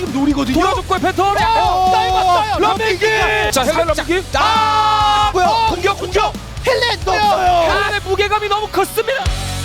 지금 노리거든요. 돌아줬고요 패턴. 떨궜어요. 런민기. 자 헬렌 런민기. 뭐야? 공격. 헬렌 넣었어요. 헬렌의 무게감이 너무 컸습니다.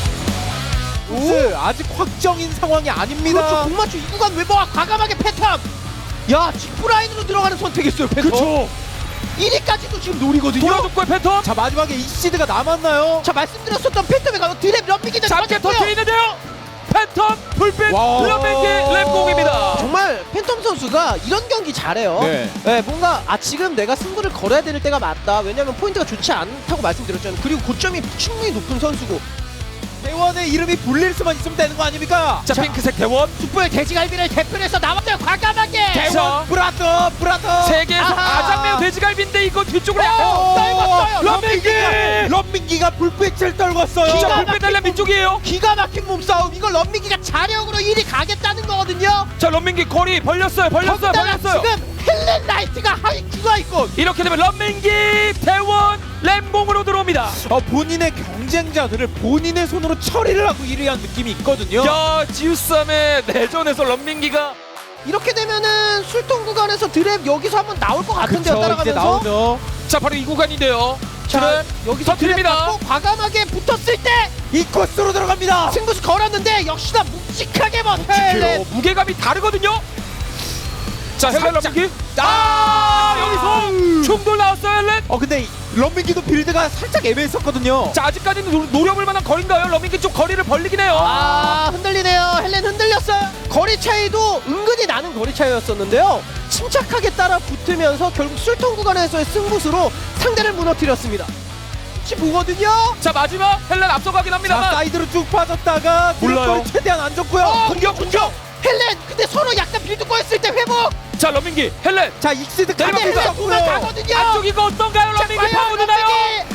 아직 확정인 상황이 아닙니다. 그렇죠. 공맞춤 이 구간 외버와 과감하게 패턴. 야, 직구 라인으로 들어가는 선택했어요. 패턴. 그렇죠. 1위까지도 지금 노리거든요. 돌아줬고요 패턴. 자 마지막에 이시드가 남았나요? 자, 말씀드렸었던 패턴에 가서 드랩 런민기는 짧게 터져 있는데요. 패턴 불빛 와. 런민기 랩공입니다. 정말 팬텀 선수가 이런 경기 잘해요. 네. 뭔가 지금 내가 승부를 걸어야 될 때가 맞다. 왜냐면 포인트가 좋지 않다고 말씀드렸잖아요. 그리고 고점이 충분히 높은 선수고. 대원의 이름이 불릴 수만 있으면 되는 거 아닙니까? 자 핑크색 대원. 숯불 돼지갈비를 대표해서 나왔어요. 과감하게. 대원. 브라더. 세계에서 아하. 가장 매운 돼지갈비인데 이거 뒤쪽으로 떨궜어요. 런민기가 불빛을 떨궜어요. 자 불빛 달려 밑쪽이에요. 기가 막힌 몸싸움. 이걸 런민기가 자력으로 1위 가겠다는 거거든요. 자 런민기 거리 벌렸어요. 거기다가 지금 헬렌 나이트가 하이큐가 있고. 이렇게 되면 런민기 대원 램봉으로 들어옵니다. 본인의 경쟁자들을 본인의 손으로 처리를 하고 1위한 느낌이 있거든요. 야 지우쌈의 내전에서 런민기가 이렇게 되면은 술통 구간에서 드랩 여기서 한번 나올 것 같은데요. 이제 따라가면서. 나오죠. 자 바로 이 구간인데요. 자, 드랩 여기서 드랩 터뜨립니다. 받고 과감하게 붙었을 때 이 코스로 들어갑니다. 승부수 걸었는데 역시나 묵직하게 헬렌. 무게감이 다르거든요. 자 헬렌 살짝. 런민기. 여기서 충돌 나왔어요 헬렌. 근데 런민기도 빌드가 살짝 애매했었거든요. 자 아직까지는 노려볼 만한 거리인가요? 런민기 좀 거리를 벌리긴 해요. 흔들리네요. 헬렌 흔들렸어요. 거리 차이도 은근히 나는 거리 차이였었는데요. 침착하게 따라 붙으면서 결국 술통 구간에서의 승부수로 상대를 무너뜨렸습니다. 혹시 보거든요. 자 마지막 헬렌 앞서가긴 자, 합니다만. 사이드로 쭉 빠졌다가 몰라요. 드롭거리 최대한 안 줬고요. 공격. 헬렌 근데 서로 약간 빌드 꼬였을 때 회복. 자 런민기 헬렌. 자 익시드 근데 내려갑니다. 헬렌 구간 가거든요. 안쪽 이거 어떤가요? 런민기 파고드나요?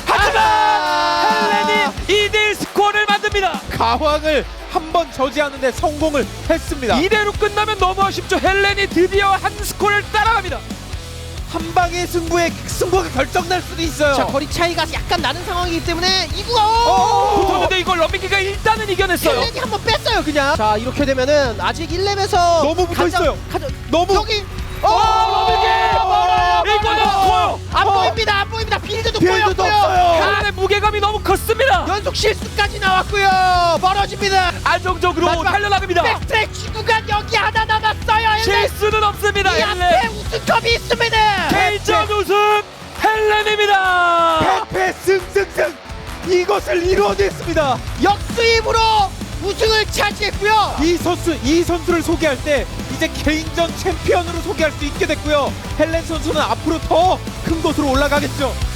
하지만 헬렌이 2대1 스코어를 만듭니다. 가황을 한 번 저지하는데 성공을 했습니다. 이대로 끝나면 너무 아쉽죠. 헬렌이 드디어 한 스코어를 따라갑니다. 한 방의 승부가 결정날 수도 있어요. 자, 거리 차이가 약간 나는 상황이기 때문에 이구가 붙었는데 이걸 런민기가 일단은 이겨냈어요. 헬렌이 한번 뺐어요 그냥. 자, 이렇게 되면은 아직 1렙에서 너무 붙어있어요. 너무 여기 런민기 이거는 커요. 안 보입니다. 안 보입니다. 빌드도 빌드도 보였고요. 없어요. 헬렌의 무게감이 너무 컸습니다. 연속 실수까지 나왔고요. 멀어집니다. 안정적으로 마지막 달려나갑니다. 백스트랙 구간 여기 하나 남았어요. 헬렌. 실수는 없습니다. 이 앞에 헬렌 우승컵이 있습니다. 개인전 우승 헬렌입니다. 패패 승승승 이것을 이루어냈습니다. 역수입으로 우승을 차지했고요. 이 선수를 소개할 때 이제 개인전 챔피언으로 소개할 수 있게 됐고요. 헬렌 선수는 앞으로 더 큰 곳으로 올라가겠죠.